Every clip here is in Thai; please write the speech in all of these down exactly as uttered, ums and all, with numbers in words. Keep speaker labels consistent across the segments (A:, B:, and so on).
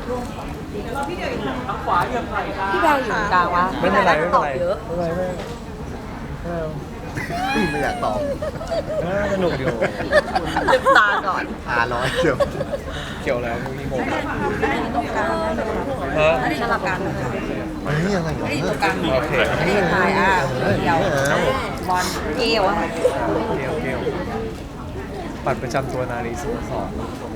A: ช่วงของพี่เดียวอยู่ทาง
B: ขวาเหยียบไหล่ครับ
A: พี่แบร์อยู่กลางวะ
C: ไม่เป็นไรไม่
A: ต
C: เป็นไร
A: อบเยอะ
C: ไม่เป็นไรไม่เป็นไร
D: ไม่อยากตอบ
C: เออสนุกอยู่
A: ลืมตาก่อน
D: หาร้อยเดียว
C: เกี่ยวแล้วมีผม
A: ไม่ได้อยู่ตรงกลาง
C: ฮะ
A: ไม่ได้สลับกันนะคะ
D: อันนี้อะไรเหรอ
A: ไม่ได้อยู่ตรงกลาง
C: โอเค
A: ไม่ได้ถ่ายอ่ะเดียวบอลเกลียวอะ
C: เกี่ยวเกี่ยวบัตรประจำตัวนารีสโมสร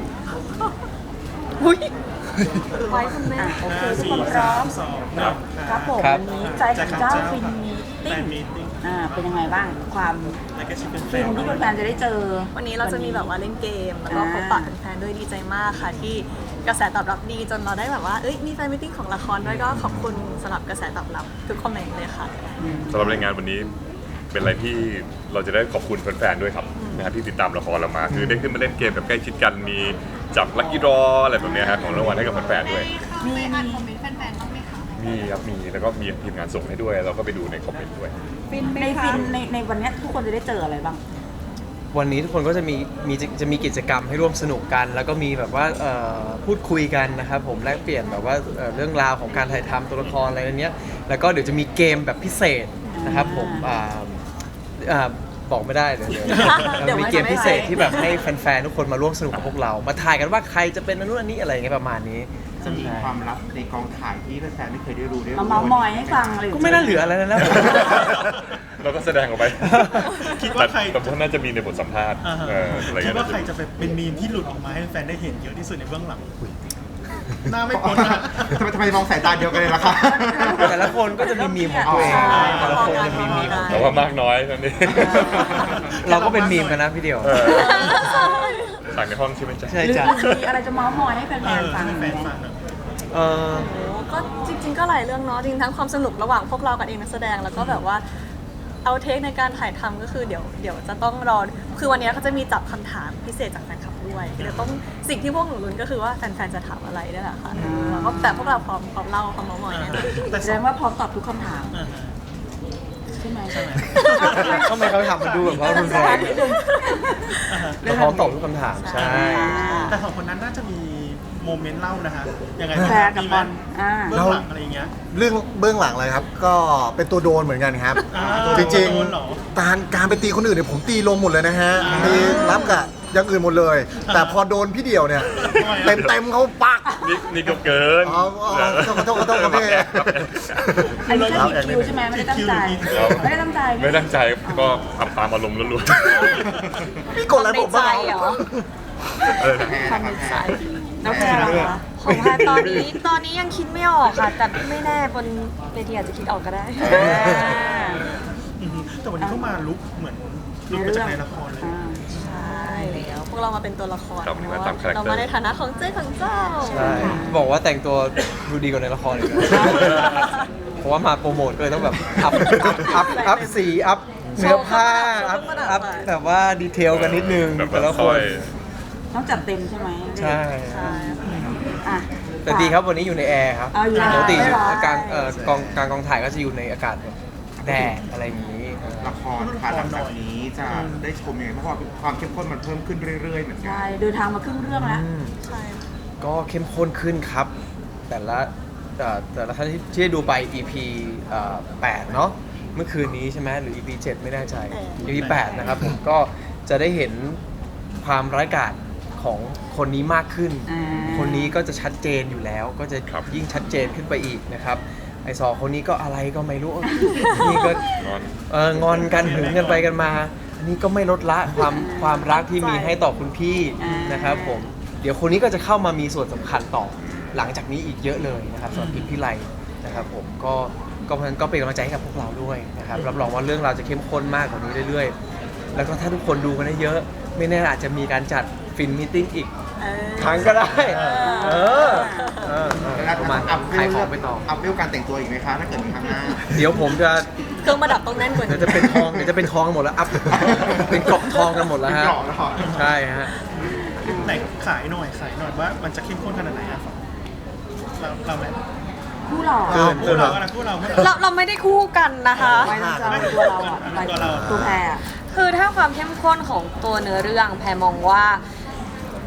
A: อุ้ยไว้คุณแม่โอเคทุกคนพร้อมครับผมวันนี้ใจของเจ้าฟินมีติ้งอ่าเป็นยังไงบ้างความฟินที่แฟนๆจะได้เจอ
E: วันนี้เราจะมีแบบว่าเล่นเกมแล้วก็พบปะแฟนๆด้วยดีใจมากค่ะ ที่กระแสตอบรับดีจนเราได้แบบว่าเอ้ยมีแฟนมิทติ้งของละครด้วยก็ขอบคุณสำหรับกระแสตอบรับทุกคอมเมนต์เลยค่ะ
F: สำหรับรายงานวันนี้เป็นอะไรที่เราจะได้ขอบคุณแฟนๆด้วยครับนะฮะที่ติดตามละครเรามา คือได้ขึ้นมาเล่นเกมแบบใกล้ชิดกันมีจับลัคกี้ดรออะไรแบบเนี้ยฮะของรางวัลให้กับแฟนๆด้วย
A: มีมี
F: มีครับมีแล้วก็มีทีมงานส่งให้ด้วย เราก็ไปดูในคอมเมนต์ด้วย
A: ในฟินในในวันนี้ทุกคนจะได้เจออะไรบ้าง
C: วันนี้ทุกคนก็จะมีมีจะมีกิจกรรมให้ร่วมสนุกกัน แล้วก็มีแบบว่าเอ่อพูดคุยกันนะครับผมแลกเปลี่ยนแบบว่าเอ่อเรื่องราวของการถ่ายทำตัวละครอะไรเนี้ยแล้วก็เดี๋ยวจะมีเกมแบบพิเศษนะครับผมอ่าอ่าบอกไม่ได้เดี๋ยวเดี๋ยว
E: เดี๋ยว
C: มี
E: ไม่
C: เกมพิเศษ
E: ไม่
C: ที่แบบให้แฟนๆทุกคนมาร่วมสนุกกับพวกเรา มาถ่ายกันว่าใครจะเป็นอันนู้นอันนี้อะไรอย่างเงี้ยประมาณนี้
G: จะมีความลับในกองถ่ายที่แฟนๆไม่เคยได้รู้ได้รู้
A: มาเมาส์มอยให้ฟังอะไร
C: ก็ไม่น่าเหลืออะไรแล้วนะ
F: เราก็แสดงออกไป
H: คิดว่าใคร
F: แต่ว่าน่าจะมีในบทสัมภาษณ์
H: อ่าฮะ
F: เอออะไร
H: คิด
F: เงี้ย
H: ว่าใครจะเป็นมีมที่หลุดออกมาให้แฟนได้เห็นเยอะที่สุดในเบื้องหลังหน้าไม่พ้นนะ
G: ทำไมทำไมมองสายตาเดียวกันเลยล่ะครับ
C: แต่ละคนก็จะมีมีมของตัวเองแต่ละคนจะมีมีมของ
F: แต่ว่ามากน้อยนั่นเอง
C: เราก็เป็นมีมกันนะพี่เดียว
F: เออต่างในห้องใช่ไหมจ๊ะ
C: ใช่
A: หรือ
C: จ้ะ
A: มีอะไรจะเมาส์มอยให้แฟ
H: เอน อ
A: ๆฟัง
H: ให้
A: ไห
H: แฟ
A: ม
H: นฟังอะ
C: เออ
E: โอ้ก็จริง ๆ ก็หลายเรื่องเนาะจริงทั้งความสนุกระหว่างพวกเรากับเองนักแสดงแล้วก็แบบว่าเอาเทคในการถ่ายทำก็คือเดี๋ยวเดี๋ยวจะต้องรอคือวันนี้เขาจะมีจับคำถามพิเศษจากแฟนคลับด้วยเดี๋ยวต้องสิ่งที่พวกหนูลุ้นก็คือว่าแฟนๆจะถามอะไรนี่แหละค่ะแล้วก็แต่พวกเราพร้อมพร้อมเล่าพร้อมเมาส์มอยแน่นอน
H: แต่
A: แส
H: ส
A: ด
H: อง
A: งว่าพร้อมตอบทุกคำถาม
H: อ่าฮะ
A: ใช่ไหม
H: ใช่ไหม
C: ทำไมเขาถามมันดูแบบว่ารุนแรง
A: นิดนึง
H: อ่าฮะ
C: เราพร้อมตอบทุกคำถามใช่
H: แต่สองคนนั้นน่าจะมีโมเมนต์เล่านะฮะยังไง
A: แฟร์กับบอลอ่า
H: เบื้องหลังอะไรอย่างเงี้ย
D: เรื่องเบื้องหลังเลยครับ ก็เป็นตัวโดนเหมือนกันครับ
H: อ่า
D: จริง
H: โดนเหรอ
D: ๆการการไปตีคนอื่นเนี่ยผมตีลงหมดเลยนะฮะ
H: อ่า
D: ตีรับกับอย่างอื่นหมดเลย แต่พอโดนพี่เดี่ยวเนี่ย
H: ทำไมอะ
D: เต็มเต็มๆเขาปัก
F: นี่นี่ก็เกิน
D: อ๋ออ๋อขอโทษขอโทษขอโทษครับพี่
A: อันนี้แค่ผิดคิวใช่ไหมไม่ได้ตั้งใจ
F: ครับ
A: ไม่ได้ตั้งใจ
F: ไม่ตั้งใจก็ทำตามอารมณ์ล้วน
D: พี่กดอะไรผมบ้าง
E: ในใจเหรอ
F: ๆเออ
A: ความในใจแล้วแพรล่ะคะ
E: ของแพรตอนนี้ตอนนี้ยังคิดไม่ออกค่ะ แต่ไม่แน่บนเวทีอาจจะคิดออกก็ได้
H: อือฮึแต่วันนี้เขามาลุกเหมือนลุกมาจากในละครเลย
A: อ่า
E: ใช่แล้วพวกเรามาเป็นตัวละคร
F: ครับ
E: เน
F: มา
E: อะ
F: ตามคาแรคเตอร์
E: เรามาในฐานะของเจ้ของเจ้า
C: ใช่บอกว่าแต่งตัวดูดีกว่าในละครอีกนะเพราะว่ามาโปรโมทก็เลยต้องแบบอัพอัพอัพสีอัพเนื้อผ้าอัพอัพแบบว่าดีเทลกันนิดนึง
F: แบบ
C: แต่ละ
F: ว่า
C: ค
F: ซอน ย
A: ต้องจัดเต็มใช่ไหม
C: ใช่
E: ใช่
A: อ่ะ
C: แต่ดีครับวันนี้อยู่ในแอร์ครับ
A: เอาอยู่ใน
C: ปกติ
A: แอร์เหรอ
C: กลางเอ่อกองกลางกองถ่ายก็จะอยู่ในอากาศแบบแดดอะไรอย่างนี้
G: ละครค่ะหลังจากนี้จะได้ชมยังไงเพราะว่าความเข้มข้นมันเพิ่มขึ้นเรื่อยๆเหมือนกัน
A: ใช่เดินทางมาครึ่งเรื่องแล้ว
E: ใช่
C: ก็เข้มข้นขึ้นครับ แต่ละเอ่อแต่ละท่านที่ที่ได้ดูไป อี พี เอ่อแปดเนาะเมื่อคืนนี้ใช่ไหมหรือ อี พี เจ็ดไม่แน่ใจ อี พี แปดนะครับผมก็จะได้เห็นความร้ายกาจของคนนี้มากขึ้น
A: อ่า
C: คนนี้ก็จะชัดเจนอยู่แล้ว ก็จะ
F: ครับ
C: ยิ่งชัดเจนขึ้นไปอีกนะครับไอสองคนนี้ก็อะไรก็ไม่รู้ นี่ก็
F: งอน
C: เอองอนกันหึงกันไปกันมา อันนี้ก็ไม่ลดละความความรักที่มีให้ต่อคุณพี่นะครับผมเดี๋ยวคนนี้ก็จะเข้ามามีส่วนสำคัญต่อหลังจากนี้อีกเยอะเลยนะครับสำหรับพิมพิไลนะครับผมก็ก็เพราะฉะนั้นก็เป็นกำลังใจให้กับพวกเราด้วยนะครับรับรองว่าเรื่องราวจะเข้มข้นมากกว่านี้เรื่อยๆ แล้วก็ถ้าทุกคนดูกันได้เยอะ ไม่แน่อาจจะมีการจัดฟินมีตติ้งอีก
E: เออ
C: ครั้งก็ได้เออเออเออ
G: แล้ว
C: ประมาณ
G: อัพ
C: ขายของไปต่อ
G: อัพเรื่องการแต่งตัวอีกไหมคะถ้าเกิดมีครั้งหน้า
C: เดี๋ยวผมจะ
E: เครื่องประดับต้องแน่นกว่า
C: เดี๋ยว
E: นี้
C: จะเป็นทองเดี๋ยวจะเป็นทองกันหมดแล้วอัพเป็นกรอบทองกันหมดแล้วฮะ
G: เป็นกรอบแล้วเหรอ
C: ใช่ฮะ
H: ไหนขายหน่อยขายหน่อยว่ามันจะเข้มข้นขนาดไหนอะเราเราไหม
A: คู่หล่อ
C: เกิน
H: คู่เราอะคู่เราคู่
E: เรา
H: เรา
E: เราไม่ได้คู่กันนะคะ
A: ไม่ต้องจะเป็นตัวเราอ่ะหมายถึงตัวแพรอะ
E: คือถ้าความเข้มข้นของตัวเนื้อเรื่องแพรมองว่า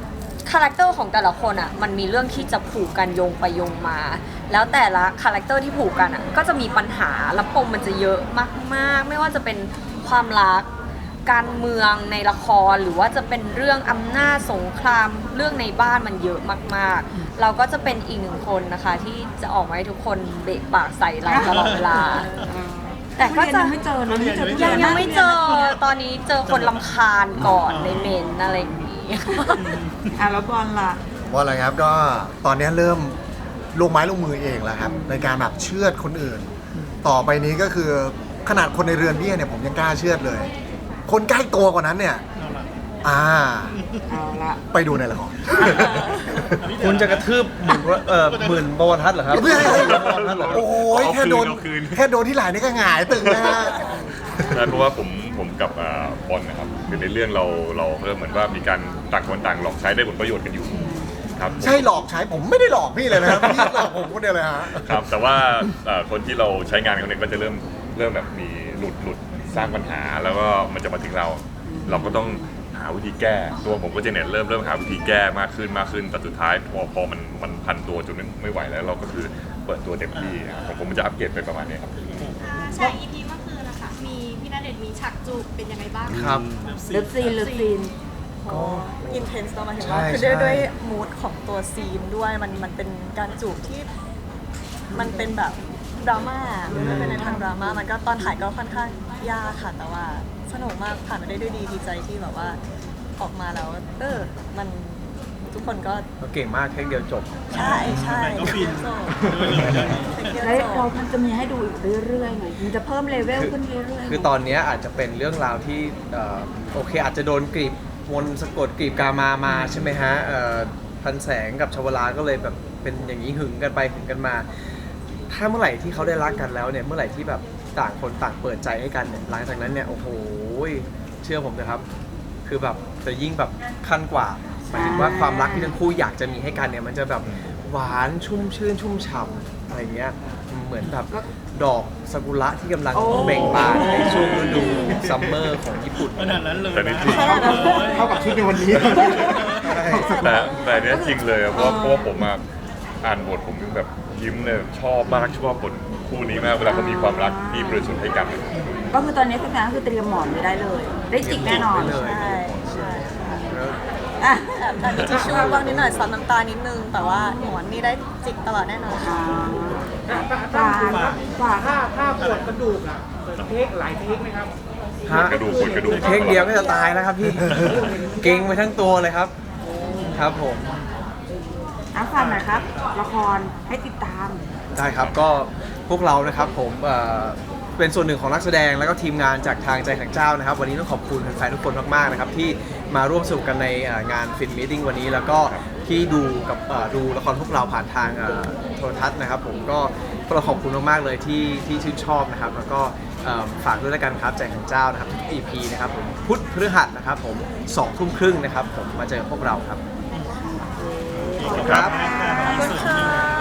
B: คาแรคเตอร์ของแต่ละคนอ่ะมันมีเรื่องที่จะผูกกันโยงไปโยงมา แล้วแต่ละคาแรคเตอร์ที่ผูกกันอ่ะก็จะมีปัญหาและปมมันจะเยอะมากๆไม่ว่าจะเป็นความรักการเมืองในละครหรือว่าจะเป็นเรื่องอำนาจสงครามเรื่องในบ้านมันเยอะมากๆ เราก็จะเป็นอีกหนึ่งคนนะคะที่จะออกมาให้ทุกคนเบะปากใส่เราตลอดเวลา แต่ก็จะ
A: ยังไม่เจอนะไม่เจอ
B: ยังยังไม่เจอตอนนี้เจอคนลำคาญก่อนในเมนอะไรอย่างนี้
A: อ่ะแล้วบอลล่ะ
D: ว่าอะไรครับก็ตอนนี้เริ่มลงไม้ลงมือเองแล้วครับในการแบบเชือดคนอื่น ต่อไปนี้ก็คือขนาดคนในเรือนเบี้ยเนี่ยผมยังกล้าเชือดเลย คนใกล้ตัวกว่านั้นเนี่ยอ่า
A: เอาละ
D: ไปดูในละคร
C: คุณจะกระทืบหมื่นเอ่อหมื่นบวรทัศน์เหรอครับ
D: เพื่อให้
C: หมื่นบวรทัศน์เหรอ
D: โอ้ย
F: เอาคืน
D: แค่โดน
F: เอาคืน
D: แค่โดนที่ไหล่นี่ก็หงายตึงนะฮะ
F: ใช่เพราะว่าผมผมกับอ่าบอลนะครับคือในเรื่องเราเราเริ่มเหมือนว่ามีการต่างคนต่างหลอกใช้ได้ผลประโยชน์กันอยู่ครับ
D: ใช่หลอกใช้ผมไม่ได้หลอกพี่เลยนะครับพี่หลอกผมคนเดียวเลยฮะ
F: ครับแต่ว่าเอ่อคนที่เราใช้งานเขาเนี่ยก็จะเริ่มเริ่มแบบมีหลุดหลุดสร้างปัญหาแล้วก็มันจะมาถึงเรา เราก็ต้องหาวิธีแก้ตัวผมก็จะเนี่ยเริ่มเริ่มหาวิธีแก้มากขึ้นมากขึ้นแต่สุดท้ายพอพอมันมันพันตัวจนไม่ไม่ไหวแล้ว เราก็คือเปิดตัวเต็มที่ของผมมันจะอัปเกรดไปประมาณนี้ครับ
I: ฉาก อี พี เมื่อคืนนะคะมีพี่ณเดชน์มีฉากจูบเป็นยังไงบ้าง
C: ครับ
A: เลิฟซีนเลิฟซีน
E: ก็อินเทนส์เนาะหมายถึง
C: ใช่
E: ว่าคือด้วย
C: ใช่
E: ด้วยมูดของตัวซีนด้วยมันมันเป็นการจูบที่มันเป็นแบบดราม่ามันเป็นในทางดราม่ามันก็ตอนถ่ายก็ค่อนข้างยากค่ะแต่ว่าสนุกมากผ่านไปได้ด้วยดีดีใจที่แบบว่าออกมาแล้วเออมันทุกคนก็
C: ก็เก่งมากเทคเดียวจบ
E: ใช่ใช่
H: ก็ฟิน
E: จบ
H: ด้วยเลยเรื่องนี้
A: แล้วเรามันจะมีให้ดูอีกเรื่อยๆไงมันจะเพิ่มเลเวลขึ้นเรื่อยๆ
C: คือตอนเนี้ยอาจจะเป็นเรื่องราวที่เอ่อโอเคอาจจะโดนกรีบมนต์สะกดกรีบกามามาใช่ไหมฮะเอ่อพันแสงกับชวลาก็เลยแบบเป็นอย่างนี้หึงกันไปหึงกันมา ถ้าเมื่อไหร่ที่เขาได้รักกันแล้วเนี่ยเมื่อไหร่ที่แบบต่างคนต่างเปิดใจให้กันเนี่ยหลังจากนั้นเนี่ยโอ้โหเชื่อผมนะครับ คือแบบจะยิ่งแบบขั้นกว่าหมายถึงว่าความรักที่ทั้งคู่อยากจะมีให้กันเนี่ยมันจะแบบหวานชุ่มชื่นชุ่มฉ่ำอะไรเงี้ยเหมือนแบบดอกซากุระที่กำลังเบ่งบานในช่วงฤดูซัมเมอร์ของญี่ปุ่น
H: ขนาดนั้นเลย
F: แต่นี่
H: นะ
F: จริง
G: เท่ากับชุดในวันนี้
F: แต่แต่อันเนี้ยจริงเลยอะเพราะเพราะว่าผมอะอ่านบทผมยังแบบยิ้มเลยชอบมากชอบบทคู่นี้มากเวลาเขามีความรักที่บริสุทธิ์ให้กัน
A: ก็คือตอนนี้คือการคือเตรียมหมอนไว้ได้เลย ได้จิกแน่นอน
C: จิกไว้เลย
E: ใช่ใช่ค่ะ
A: อ่ะ
E: แอบการมีทิชชู่บ้างนิดหน่อยซับน้ำตานิดนึง แต่ว่าหมอนนี่ได้จิกตลอดแน่นอนค่ะ
A: ฝากฝาก
G: ถ้าถ้าปวดกระดูกอ่ะเทคหลายเทคไหมครับ
F: ปวดกระดูกปวดกระดูก
C: เทคเดียวก็จะตายแล้วครับพี่ เก่งไปทั้งตัวเลยครับ ครับผม
A: อ่ะฝากหน่อยครับ ละครให้ติดตาม
C: ได้ครับก็พวกเรานะครับผมเอ่อเป็นส่วนหนึ่งของนักแสดงแล้วก็ทีมงานจากทางใจแห่งเจ้านะครับ วันนี้ต้องขอบคุณแฟนๆทุกคนมากๆนะครับที่มาร่วมสนุกกันในเอ่องานฟินมีตติ้งวันนี้แล้วก็ที่ดูกับเอ่อดูละครพวกเราผ่านทางเอ่อโทรทัศน์นะครับ ผมก็พวกเราขอบคุณมากๆเลยที่ที่ชื่นชอบนะครับ แล้วก็เอิ่มฝากด้วยแล้วกันครับใจแห่งเจ้านะครับทุก อี พี นะครับผมพุธพฤหัสนะครับผมสองทุ่มครึ่งนะครับผมมาเจอพวกเราครับ
F: ครับ
E: ขอบคุณค่ะ